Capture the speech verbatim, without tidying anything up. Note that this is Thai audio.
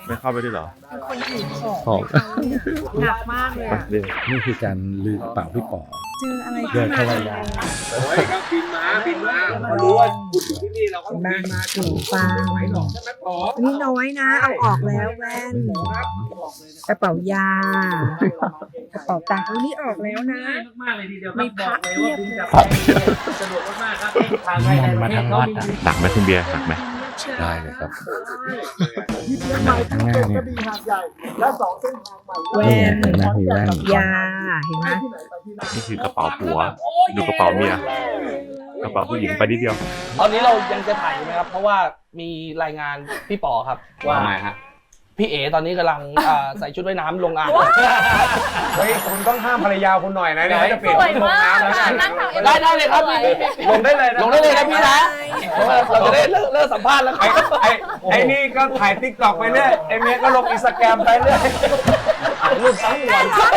ไม่เข้าไปด้วยเหรอเป็นคนถือของของหนักมากเลยอะนี่คือการลือกระเป๋าพี่ป๋อเจออะไรเดินเข้าไปมาโอ้ยก็บินมาบินมาเขารู้ว่าคุณอยู่ที่นี่เราก็บินมาถือฟังไหวหรอกใช่ไหมป๋อนี่น้อยนะ เอาออกแล้วแว่นครับบอกเลยนะกระเป๋ายากระเป๋าตังค์นี่ออกแล้วนะง่ายมากๆเลยทีเดียวคมีรับพบระอกเลยเพียว่าบบินเลยจากสะดวกมากๆครับทางไปในประเทศเขามีหนักไหมคุณเบียร์หนักไหมได้เลยครับหนักข้างหน้าเนี่ยแว่นเห็นไหมมีแว่นยาเห็นไหมนี่คือกระเป๋าผัว ดูกระเป๋าเมีย กระเป๋าผู้หญิงไปนิดเดียวตอนนี้เรายังจะถ่ายอยู่ไหมครับ เพราะว่ามีรายงานพี่ป๋อครับว่าทำไมฮะพี่เอ๋ตอนนี้กำลังอ่าใส่ชุดว่ายน้ำลงอ่างเฮ้ยคุณต้องห้ามภรรยาคุณหน่อยนะเดี๋ยวเขาจะเปลี่ยนสวยลงมากน้ำแล้วค่ะนะนั่งทำเอ็มได้ได้เลยครับพี่พี่พี่ลงได้เลยนะลงได้เลยนะพี่นะเพราะว่าเราจะได้เลิกเลิกสัมภาษณ์แล้วคไอ้รับไอ้ไอ้นี่ก็ถ่ายติ๊กต็อกไปเรื่อยไอ้เมียก็ลงอินสตาแกรมไปเรื่อยรูปทั้งวัน